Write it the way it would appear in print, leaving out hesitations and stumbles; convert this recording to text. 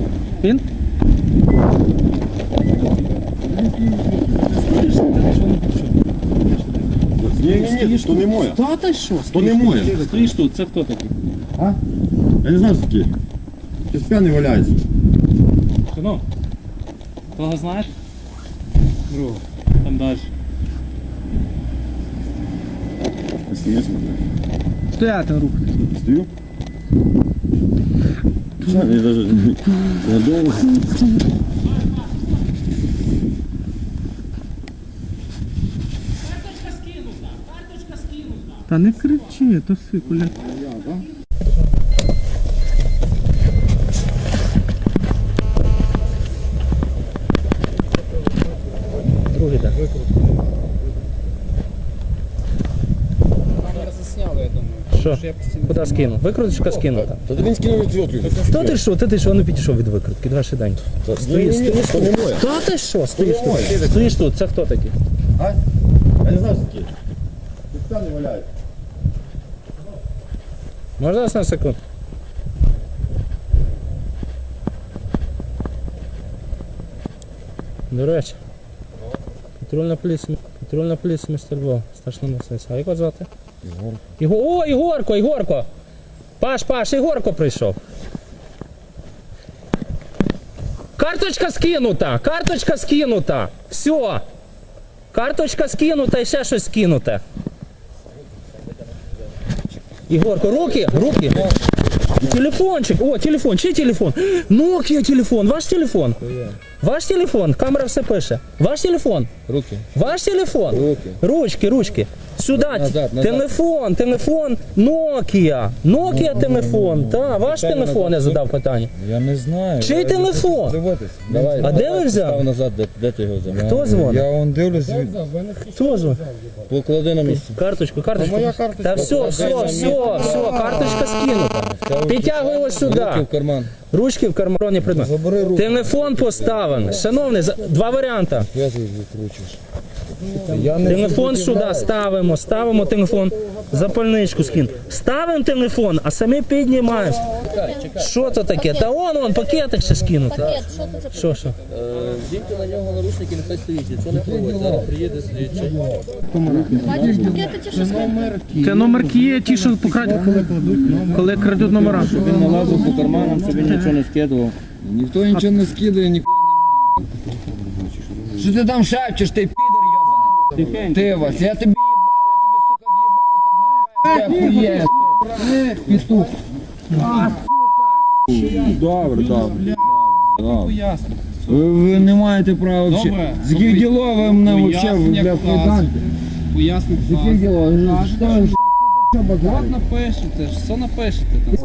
Він? Ні, то не моє. Та ти що? То не моє. Стоїш тут, це хто такий? А? Я не знаю, що таке. Щось п'яний валяється. Синок, кого знаєш? Другого. Там далі. Ти стоїш, Стояти рух. стою. Я даже я довго. Та не кричи, то сикуля. Другий так. Камера засняла, я думаю. Що? Куди скинув? Викруточка скинута. Та він скинув відвертку. Хто ти що? Ти що? Ну підійшов від викрутки. Давай швиденько. Стоїш то не тут. моє. Та ти що? Стоїш тут. Стоїш тут. Це хто такий? А? Я не знаю, що таке. Щось п'яний валяється. Можна нас на секунду? До речі. Патрульна поліція міста Львова. Старшина Мосниця. А як вас звати? О, Ігорко! Паш, Ігорко прийшов. Карточка скинута. Все. Карточка скинута і ще щось скинуте. Ігорко, руки. Телефончик. О, телефон. Чий телефон? Nokia телефон. Ваш телефон? Ваш телефон. Камера все пише. Ваш телефон? Руки. Ваш телефон? Ручки. Сюда. Назад. Телефон. Nokia телефон. Так, ваш телефон, я задав питання. Я не знаю. Чий телефон? Давай. А де ви взяли? Став назад, де ти його взяв? Хто дзвонить? Я вон дивлюсь, Хто звонить? поклади на місце. Карточку. Та все, карточка скинута. Підтягуй його Руки сюди. в карман. Ручки в кармані предмет. Забери руку. Телефон поставлений. Шановний, два варіанти. Я тут викручуєш. Я не Телефон сюди ставимо телефон. Запальничку скинь. Ставимо телефон, а самі піднімаємо. Що це таке? Та вон, пакетик ще скинути. Пакет, що це за Що? Діньте на нього наручники, нехай стоїть. Якщо не проводить, зараз приїде слідчий. бачиш пакети ті, що скинуть? Це номерки є, ті, що покрадуть, коли крадуть номера. Він налазив по карманам, щоб він нічого не скидував. Ніхто нічого не скидає, нікого не. Що ти там шепчеш, ти підер йобаний? Ти Вась, я тобі їбав, я тобі, сука, в'їбав, так не петух. Добре. Ви не маєте права взагалі. З яких діло ви мене взагалі, бля, поданте? Пояснити. З яких діло? Що ви От напишете, що напишете там.